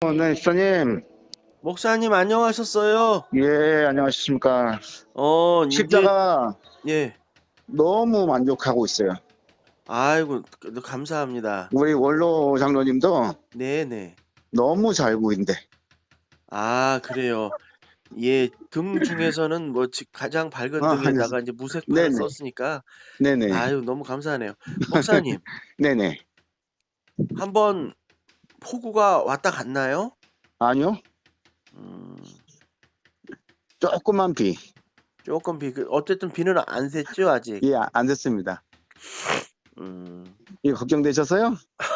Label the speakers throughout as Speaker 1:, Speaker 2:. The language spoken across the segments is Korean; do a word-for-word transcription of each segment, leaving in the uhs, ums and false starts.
Speaker 1: 어, 네, 시장님.
Speaker 2: 목사님 안녕하셨어요?
Speaker 1: 예, 안녕하십니까.
Speaker 2: 어, 이제
Speaker 1: 십자가
Speaker 2: 예.
Speaker 1: 너무 만족하고 있어요.
Speaker 2: 아이고 그, 감사합니다.
Speaker 1: 우리 원로 장로님도
Speaker 2: 네네.
Speaker 1: 너무 잘 보인대.
Speaker 2: 아, 그래요. 예, 등 중에서는 뭐 지- 가장 밝은
Speaker 1: 아, 아니,
Speaker 2: 등에다가 이제 무색판을
Speaker 1: 네네,
Speaker 2: 썼으니까
Speaker 1: 네네,
Speaker 2: 아유 너무 감사하네요. 목사님,
Speaker 1: 네네.
Speaker 2: 한번 폭우가 왔다 갔나요?
Speaker 1: 아니요,
Speaker 2: 음,
Speaker 1: 조금만 비.
Speaker 2: 조금 비, 그 어쨌든 비는 안 샜죠 아직.
Speaker 1: 예, 아- 안 됐습니다.
Speaker 2: 음,
Speaker 1: 이 걱정되셨어요?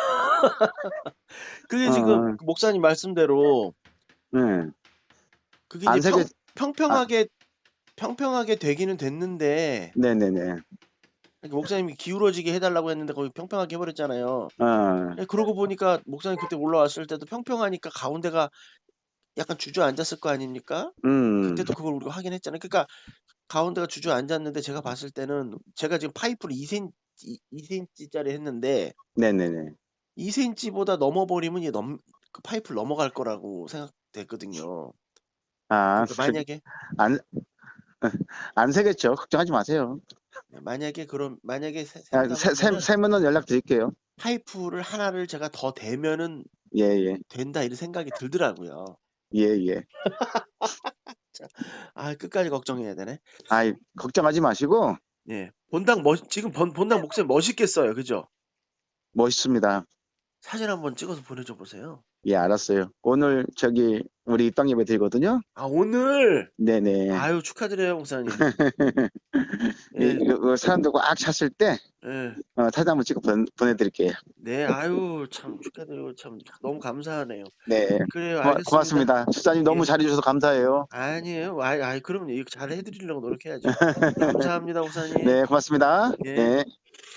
Speaker 2: 그게
Speaker 1: 어,
Speaker 2: 지금
Speaker 1: 어,
Speaker 2: 그 목사님 말씀대로
Speaker 1: 네.
Speaker 2: 그게 이제
Speaker 1: 안 새겨,
Speaker 2: 평
Speaker 1: 아,
Speaker 2: 평평하게 평평하게 되기는 됐는데
Speaker 1: 네네네.
Speaker 2: 그러니까 목사님이 기울어지게 해달라고 했는데 거기 평평하게 해버렸잖아요.
Speaker 1: 어,
Speaker 2: 예, 그러고 보니까 목사님 그때 올라왔을 때도 평평하니까 가운데가 약간 주저앉았을 거 아닙니까?
Speaker 1: 음,
Speaker 2: 그때도 그걸 우리가 확인했잖아요. 그러니까 가운데가 주저앉았는데 제가 봤을 때는 제가 지금 파이프를 이 센티미터, 이 센티미터짜리 했는데
Speaker 1: 네네네.
Speaker 2: 이 센티미터보다 넘어버리면 이게 넘, 그 파이프를 넘어갈 거라고 생각됐거든요.
Speaker 1: 아,
Speaker 2: 그러니까
Speaker 1: 저기,
Speaker 2: 만약에
Speaker 1: 안, 안 새겠죠. 걱정하지 마세요.
Speaker 2: 네, 만약에 그럼 만약에 새-
Speaker 1: 아,
Speaker 2: 샌다고
Speaker 1: 새, 새,
Speaker 2: 하면은
Speaker 1: 새면은 연락드릴게요.
Speaker 2: 파이프를 하나를 제가 더 대면은
Speaker 1: 예, 예,
Speaker 2: 된다 이런 생각이 들더라고요.
Speaker 1: 예, 예.
Speaker 2: 자, 아 끝까지 걱정해야 되네.
Speaker 1: 아이, 걱정하지 마시고,
Speaker 2: 예. 본당 멋 지금 본 본당 목소리 멋있겠어요. 그죠?
Speaker 1: 멋있습니다.
Speaker 2: 사진 한번 찍어서 보내줘 보세요.
Speaker 1: 예, 알았어요. 오늘 저기 우리 땅 예배 드리거든요.
Speaker 2: 아, 오늘
Speaker 1: 네네.
Speaker 2: 아유 축하드려요, 목사님.
Speaker 1: 이,
Speaker 2: 예.
Speaker 1: 이 사람들 꽉 찼을 때
Speaker 2: 예.
Speaker 1: 어, 사진 한번 찍어 보, 보내드릴게요.
Speaker 2: 네. 아유 참 축하드리고 참 너무 감사하네요.
Speaker 1: 네.
Speaker 2: 그래요.
Speaker 1: 고마,
Speaker 2: 알겠습니다.
Speaker 1: 고맙습니다. 집사님 너무
Speaker 2: 예.
Speaker 1: 잘해주셔서 감사해요.
Speaker 2: 아니에요. 아이, 아이 그럼요. 이거 잘 해드리려고 노력해야죠. 감사합니다, 목사님.
Speaker 1: 네, 고맙습니다.
Speaker 2: 예.
Speaker 1: 네.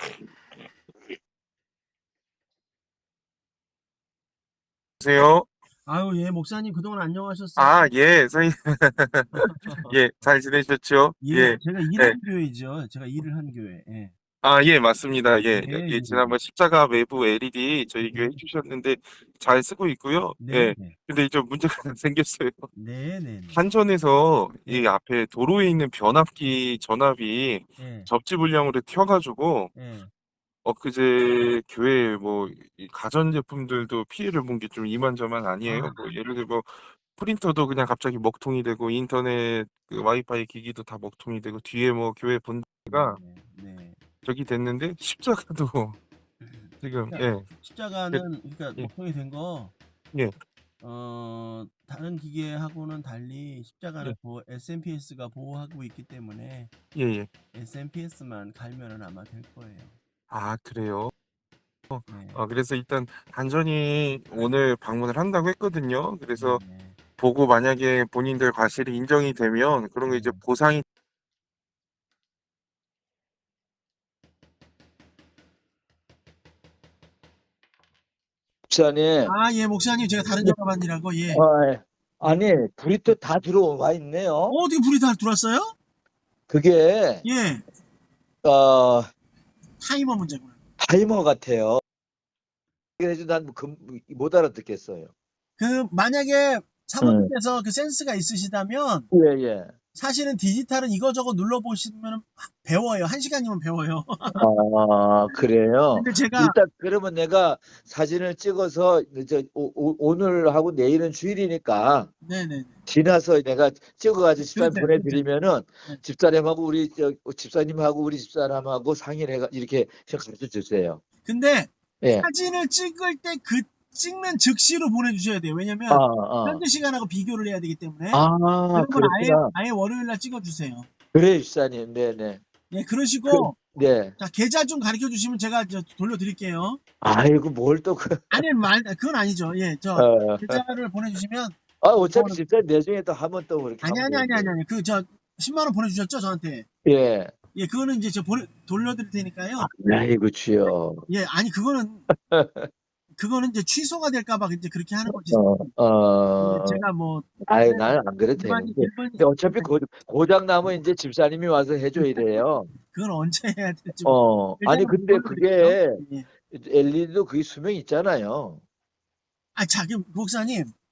Speaker 3: 안녕하세요.
Speaker 2: 아유, 예, 목사님 그동안 안녕하셨어요?
Speaker 3: 아, 예, 선생님. 예, 잘 지내셨죠?
Speaker 2: 예,
Speaker 3: 예,
Speaker 2: 제가
Speaker 3: 예.
Speaker 2: 일한 교회죠. 제가 일을 한 교회. 예.
Speaker 3: 아, 예, 맞습니다. 예,
Speaker 2: 예,
Speaker 3: 예,
Speaker 2: 예.
Speaker 3: 지난번 십자가 외부 엘이디 저희 교회 해주셨는데 잘 쓰고 있고요.
Speaker 2: 네,
Speaker 3: 예,
Speaker 2: 네.
Speaker 3: 근데 좀 문제가 생겼어요.
Speaker 2: 네, 네, 네.
Speaker 3: 한전에서 이
Speaker 2: 예,
Speaker 3: 앞에 도로에 있는 변압기 전압이
Speaker 2: 예,
Speaker 3: 접지 불량으로 튀어가지고
Speaker 2: 예.
Speaker 3: 엊그제 교회 뭐 이 가전제품들도 피해를 본 게 좀 이만저만 아니에요.
Speaker 2: 아,
Speaker 3: 뭐 예를 들어 뭐 프린터도 그냥 갑자기 먹통이 되고 인터넷 그 와이파이 기기도 다 먹통이 되고 뒤에 뭐 교회 본가
Speaker 2: 네, 네.
Speaker 3: 저기 됐는데 십자가도 지금
Speaker 2: 그러니까
Speaker 3: 예, 예,
Speaker 2: 십자가는 그러니까
Speaker 3: 예,
Speaker 2: 목통이 된 거,
Speaker 3: 예,
Speaker 2: 어, 다른 기계하고는 달리 십자가는
Speaker 3: 예,
Speaker 2: 보호, 에스엠피에스가 보호하고 있기 때문에
Speaker 3: 예, 예.
Speaker 2: 에스엠피에스만 갈면은 아마 될 거예요.
Speaker 3: 아, 그래요.
Speaker 2: 네,
Speaker 3: 아, 그래서 일단 단전이 오늘 방문을 한다고 했거든요.
Speaker 2: 네,
Speaker 3: 그래서
Speaker 2: 네,
Speaker 3: 보고 만약에 본인들 과실이 인정이 되면 그런 거 이제
Speaker 2: 네.
Speaker 3: 보상이
Speaker 4: 목사님,
Speaker 2: 아, 예, 목사님, 제가 다른 전화반이라고, 예.
Speaker 4: 어,
Speaker 2: 예.
Speaker 4: 아니, 불이 또 다 들어와 있네요.
Speaker 2: 어, 어떻게 불이 다 들어왔어요?
Speaker 4: 그게,
Speaker 2: 예,
Speaker 4: 어,
Speaker 2: 타이머 문제구나.
Speaker 4: 타이머 같아요. 그래서 난 못 알아듣겠어요.
Speaker 2: 그, 만약에
Speaker 4: 음.
Speaker 2: 사모님께서 그 센스가 있으시다면,
Speaker 4: 예, 예.
Speaker 2: 사실은 디지털은 이거저거 눌러보시면 배워요. 한 시간이면 배워요.
Speaker 4: 아, 그래요.
Speaker 2: 근데 제가,
Speaker 4: 일단, 그러면 내가 사진을 찍어서, 저, 오, 오- 오늘 하고 내일은 주일이니까,
Speaker 2: 네네.
Speaker 4: 지나서 내가 찍어가지고 집사님
Speaker 2: 그렇죠,
Speaker 4: 보내드리면은,
Speaker 2: 네.
Speaker 4: 집사님하고 우리, 저, 집사님하고 우리 집사람하고 상의를 해가, 이렇게 가르쳐 주세요.
Speaker 2: 근데
Speaker 4: 예.
Speaker 2: 사진을 찍을 때 그 찍는 즉시로 보내주셔야 돼요.
Speaker 4: 아,
Speaker 2: 왜냐면
Speaker 4: 아.
Speaker 2: 현재 시간하고 비교를 해야 되기 때문에.
Speaker 4: 아,
Speaker 2: 그러면 아예,
Speaker 4: 그렇구나.
Speaker 2: 아예 월요일 날 찍어주세요.
Speaker 4: 그래, 집사님. 네네.
Speaker 2: 예,
Speaker 4: 그,
Speaker 2: 그러시고,
Speaker 4: 네.
Speaker 2: 자, 계좌 좀 가르쳐 주시면 제가 저 돌려드릴게요.
Speaker 4: 아이고, 뭘 또, 그,
Speaker 2: 아니, 말, 그건 아니죠. 예, 저,
Speaker 4: 어.
Speaker 2: 계좌를 보내주시면,
Speaker 4: 아, 어차피
Speaker 2: 그거는-
Speaker 4: 집사님 나중에 또 하면 또 그렇게
Speaker 2: 아니,
Speaker 4: 하면
Speaker 2: 아니, 아니, 아니,
Speaker 4: 되는데.
Speaker 2: 아니. 그, 저, 십만 원 보내주셨죠, 저한테?
Speaker 4: 예.
Speaker 2: 예, 그거는 이제 저 보내, 돌려드릴 테니까요.
Speaker 4: 아이고, 주여.
Speaker 2: 예, 아니, 그거는, 그거는 이제 취소가 될까봐 이제 그렇게 하는 거지.
Speaker 4: 어,
Speaker 2: 예,
Speaker 4: 어,
Speaker 2: 제가 뭐,
Speaker 4: 아이, 나는 안 그래도
Speaker 2: 일반,
Speaker 4: 되는데.
Speaker 2: 일반,
Speaker 4: 근데 어차피 고, 고장 나면 이제 집사님이 와서 해줘야 돼요.
Speaker 2: 그건 언제 해야 될지.
Speaker 4: 어, 아니,
Speaker 2: 일단은
Speaker 4: 근데
Speaker 2: 돌려드릴게요.
Speaker 4: 그게
Speaker 2: 예.
Speaker 4: 엘이디도 그게 수명이 있잖아요.
Speaker 2: 아, 자, 그럼 목사님,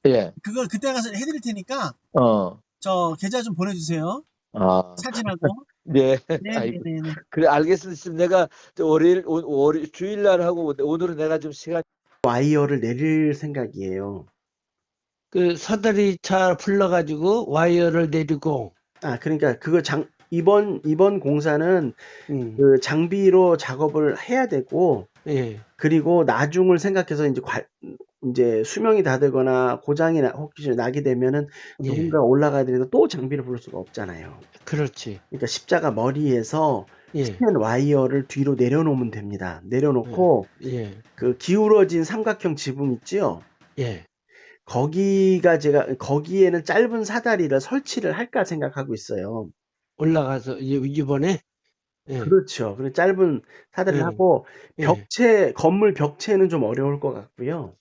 Speaker 4: 예.
Speaker 5: 그걸 그때 가서 해드릴 테니까
Speaker 4: 어.
Speaker 5: 저 계좌 좀 보내주세요.
Speaker 4: 아.
Speaker 5: 사진하고.
Speaker 4: 네. 아이고.
Speaker 5: 네네네네.
Speaker 4: 그래 알겠습니다. 지금 내가 저 월요일 오, 월 주일날 하고 오늘은 내가 좀 시간.
Speaker 2: 와이어를 내릴 생각이에요.
Speaker 6: 그 사다리 차 불러가지고 와이어를 내리고,
Speaker 2: 아, 그러니까 그거 장 이번 이번 공사는
Speaker 6: 음,
Speaker 2: 그 장비로 작업을 해야 되고
Speaker 6: 예,
Speaker 2: 그리고 나중을 생각해서 이제 관 인제 수명이 다 되거나 고장이 나 혹시 나게 되면은
Speaker 6: 예,
Speaker 2: 누군가가 올라가야 되는데 또 장비를 부를 수가 없잖아요.
Speaker 6: 그렇지.
Speaker 2: 그러니까 십자가 머리에서
Speaker 6: 예,
Speaker 2: 스텐 와이어를 뒤로 내려놓으면 됩니다. 내려놓고
Speaker 6: 예,
Speaker 2: 그 기울어진 삼각형 지붕 있지요?
Speaker 6: 예.
Speaker 2: 거기가 제가 거기에는 짧은 사다리를 설치를 할까 생각하고 있어요.
Speaker 6: 올라가서 이- 이번에, 예,
Speaker 2: 그렇죠. 그리고 짧은 사다리를
Speaker 6: 예,
Speaker 2: 하고
Speaker 6: 예.
Speaker 2: 벽체 건물 벽체는 좀 어려울 것 같고요.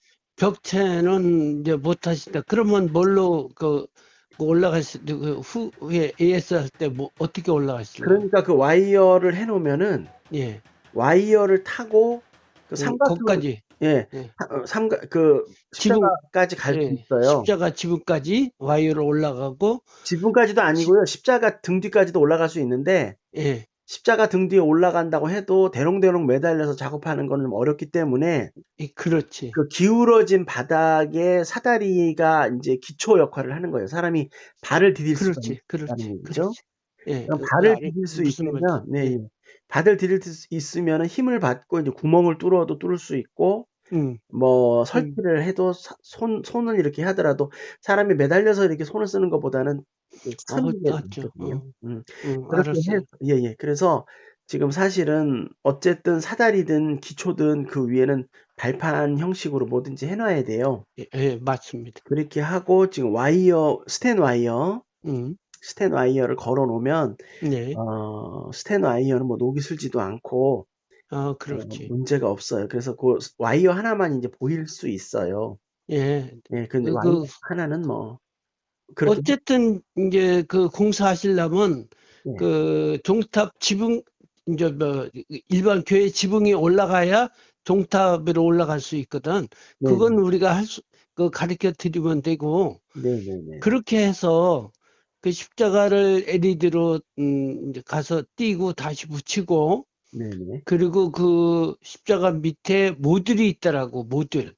Speaker 6: 벽체는 이제 못 하신다. 그러면 뭘로 그, 그 올라가실 때, 그 후에 에이에스 할 때 뭐 어떻게 올라가실래요?
Speaker 2: 그러니까 그 와이어를 해 놓으면은
Speaker 6: 예,
Speaker 2: 와이어를 타고 그
Speaker 6: 예,
Speaker 2: 삼각형
Speaker 6: 거기까지,
Speaker 2: 예.
Speaker 6: 예.
Speaker 2: 사- 어, 삼각 그
Speaker 6: 지붕,
Speaker 2: 십자가까지 갈 수
Speaker 6: 예,
Speaker 2: 있어요.
Speaker 6: 십자가 지붕까지 와이어로 올라가고,
Speaker 2: 지붕까지도 아니고요. 십자가 등 뒤까지도 올라갈 수 있는데
Speaker 6: 예,
Speaker 2: 십자가 등 뒤에 올라간다고 해도 대롱대롱 매달려서 작업하는 거는 좀 어렵기 때문에
Speaker 6: 이 그렇지.
Speaker 2: 그 기울어진 바닥에 사다리가 인제 기초 역할을 하는 거예요. 사람이 발을 디딜 수가
Speaker 6: 그렇지, 그렇지,
Speaker 2: 있다는 얘기죠.
Speaker 6: 그렇지. 예,
Speaker 2: 그럼
Speaker 6: 그,
Speaker 2: 발을
Speaker 6: 알-
Speaker 2: 디딜 수
Speaker 6: 무슨 말인지.
Speaker 2: 있으면 네,
Speaker 6: 예,
Speaker 2: 예. 발을 디딜 수 있으면은 힘을 받고 이제 구멍을 뚫어도 뚫을 수 있고
Speaker 6: 음,
Speaker 2: 뭐
Speaker 6: 음,
Speaker 2: 설치를 해도 사 손 손을 이렇게 하더라도 사람이 매달려서 이렇게 손을 쓰는 것보다는 그
Speaker 6: 어,
Speaker 2: 쓰는 게
Speaker 6: 맞죠.
Speaker 2: 낫거든요.
Speaker 6: 어,
Speaker 2: 음.
Speaker 6: 음,
Speaker 2: 그렇게
Speaker 6: 알았어요.
Speaker 2: 해서 예예. 그래서 지금 사실은 어쨌든 사다리든 기초든 그 위에는 발판 형식으로 뭐든지 해 놔야 돼요.
Speaker 6: 예, 예, 맞습니다.
Speaker 2: 그렇게 하고 지금 와이어 스텐 와이어
Speaker 6: 음,
Speaker 2: 스텐 와이어를 걸어 놓으면
Speaker 6: 네,
Speaker 2: 어 스텐 와이어는 뭐 녹이 슬지도 않고
Speaker 6: 어,
Speaker 2: 어
Speaker 6: 그렇지.
Speaker 2: 문제가 없어요. 그래서 그 스 와이어 하나만 인제 보일 수 있어요.
Speaker 6: 예,
Speaker 2: 예. 근데
Speaker 6: 그,
Speaker 2: 와이어
Speaker 6: 그,
Speaker 2: 하나는 뭐 그렇게 해
Speaker 6: 어쨌든 이제 그 공사하시려면
Speaker 2: 예.
Speaker 6: 그 종탑 지붕, 이제 뭐 일반 교회 지붕이 올라가야 종탑으로 올라갈 수 있거든. 그건
Speaker 2: 네네.
Speaker 6: 우리가 할 수, 그 가르쳐 드리면 되고,
Speaker 2: 네네네.
Speaker 6: 그렇게 해서 그 십자가를 엘이디로 음, 이제 가서 띄고 다시 붙이고,
Speaker 2: 네네.
Speaker 6: 그리고 그 십자가 밑에 모듈이 있더라고, 모듈.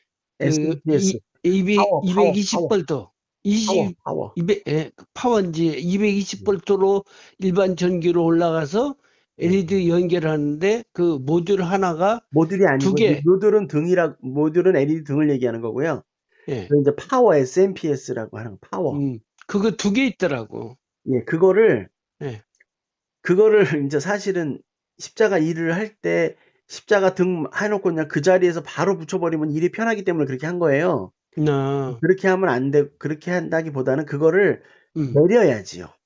Speaker 6: 그
Speaker 2: 에스엔피에스
Speaker 6: 이, 이백,
Speaker 2: 파워, 파워,
Speaker 6: 이백이십
Speaker 2: 파워,
Speaker 6: 볼트,
Speaker 2: 파워,
Speaker 6: 이십,
Speaker 2: 파워.
Speaker 6: 이백, 예, 파워인지 이백이십
Speaker 2: 네.
Speaker 6: 볼트로 일반 전기로 올라가서
Speaker 2: 네.
Speaker 6: 엘이디 연결하는데 그 모듈 하나가
Speaker 2: 모듈이
Speaker 6: 두
Speaker 2: 아니고
Speaker 6: 개,
Speaker 2: 모듈은 등이라 모듈은 엘이디 등을 얘기하는 거고요.
Speaker 6: 예,
Speaker 2: 그 인제 파워 에스엔피에스라고 하는 거 파워.
Speaker 6: 음, 그거 두 개 있더라고.
Speaker 2: 예. 그거를
Speaker 6: 예,
Speaker 2: 그거를 인제 사실은 십자가 일을 할 때 십자가 등 해 놓고 그냥 그 자리에서 바로 붙여 버리면 일이 편하기 때문에 그렇게 한 거예요.
Speaker 6: 나,
Speaker 2: 그렇게 하면 안 돼 그렇게 한다기보다는 그거를
Speaker 6: 음,
Speaker 2: 내려야지요.
Speaker 6: 음,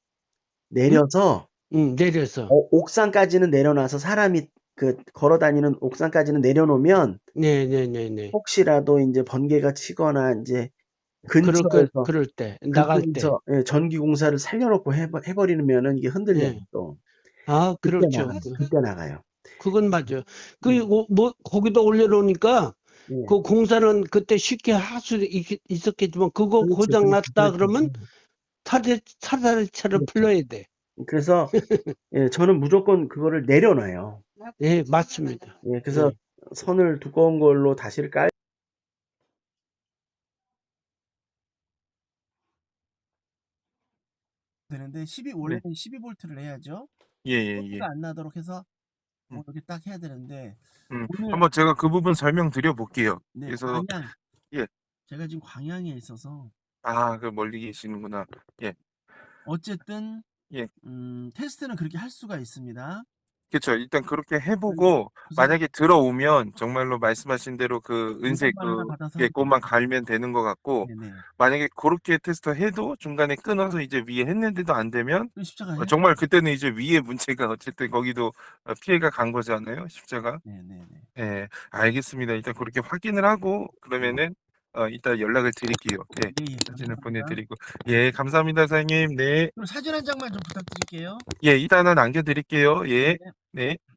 Speaker 2: 내려서
Speaker 6: 음, 내려서,
Speaker 2: 어 옥상까지는 내려놔서 사람이 그 걸어 다니는 옥상까지는 내려놓으면
Speaker 6: 네, 네, 네, 네.
Speaker 2: 혹시라도 인제 번개가 치거나 인제
Speaker 6: 그럴 거,
Speaker 2: 근처에서
Speaker 6: 그럴 때, 나갈 때,
Speaker 2: 그쪽에서 예 전기 공사를 살려 놓고 해 버 해 버리면은 이게 흔들려요
Speaker 6: 예,
Speaker 2: 또.
Speaker 6: 아,
Speaker 2: 그때
Speaker 6: 그렇죠.
Speaker 2: 나가요.
Speaker 6: 그,
Speaker 2: 그때 나가요.
Speaker 6: 그건 맞아요. 그,
Speaker 2: 음.
Speaker 6: 뭐, 뭐, 거기다 올려놓으니까
Speaker 2: 예.
Speaker 6: 그 공사는 그때 쉽게 할 수 있었겠지만 그거
Speaker 2: 그렇죠,
Speaker 6: 고장
Speaker 2: 그렇죠,
Speaker 6: 났다
Speaker 2: 그렇죠.
Speaker 6: 그러면
Speaker 2: 음.
Speaker 6: 사다리, 사다리차를
Speaker 2: 그렇죠.
Speaker 6: 불러야 돼.
Speaker 2: 그래서 예 저는 무조건 그거를 내려놔요.
Speaker 6: 예, 맞습니다.
Speaker 2: 예 그래서
Speaker 6: 예.
Speaker 2: 선을 두꺼운 걸로 다시를 깔
Speaker 5: 되는데 십이
Speaker 3: 네.
Speaker 5: 원래는 십이 볼트를 해야죠.
Speaker 3: 예예예.
Speaker 5: 소리가 안 나도록 해서
Speaker 3: 음.
Speaker 5: 뭐 이렇게 딱 해야 되는데
Speaker 3: 음.
Speaker 5: 오늘
Speaker 3: 한번 제가 그 부분 설명드려 볼게요.
Speaker 5: 네,
Speaker 3: 그래서
Speaker 5: 광양.
Speaker 3: 예.
Speaker 5: 제가 지금 광양에 있어서
Speaker 3: 아, 그 멀리 계시는구나. 예.
Speaker 5: 어쨌든
Speaker 3: 예.
Speaker 5: 음 테스트는 그렇게 할 수가 있습니다.
Speaker 3: 그쵸. 일단 그렇게 해
Speaker 5: 그래서
Speaker 3: 보고
Speaker 5: 우선
Speaker 3: 만약에 들어오면 정말로 말씀하신 대로 그 은색
Speaker 5: 요금만 하나
Speaker 3: 그
Speaker 5: 받아서
Speaker 3: 예
Speaker 5: 하면
Speaker 3: 그것만
Speaker 5: 됩니다.
Speaker 3: 갈면 되는 것 같고,
Speaker 5: 네네.
Speaker 3: 만약에 고렇게 테스트 해도 중간에 끊어서 이제 위에 했는데도 안 되면
Speaker 5: 그 십자가
Speaker 3: 어
Speaker 5: 해야
Speaker 3: 정말 그때는 이제 위에 문제가 어쨌든 거기도 어 피해가 간 거잖아요, 십자가.
Speaker 5: 네네네.
Speaker 3: 예. 알겠습니다. 일단 그렇게 확인을 하고
Speaker 5: 네.
Speaker 3: 그러면은 어 이따 연락을 드릴게요. 예.
Speaker 5: 예예.
Speaker 3: 사진을 보내
Speaker 5: 감사합니다.
Speaker 3: 드리고. 예, 감사합니다, 사장님. 네.
Speaker 5: 그럼 사진 한 장만 좀 부탁드릴게요.
Speaker 3: 예, 이따 하나 남겨 드릴게요. 예.
Speaker 5: 네.
Speaker 3: 네.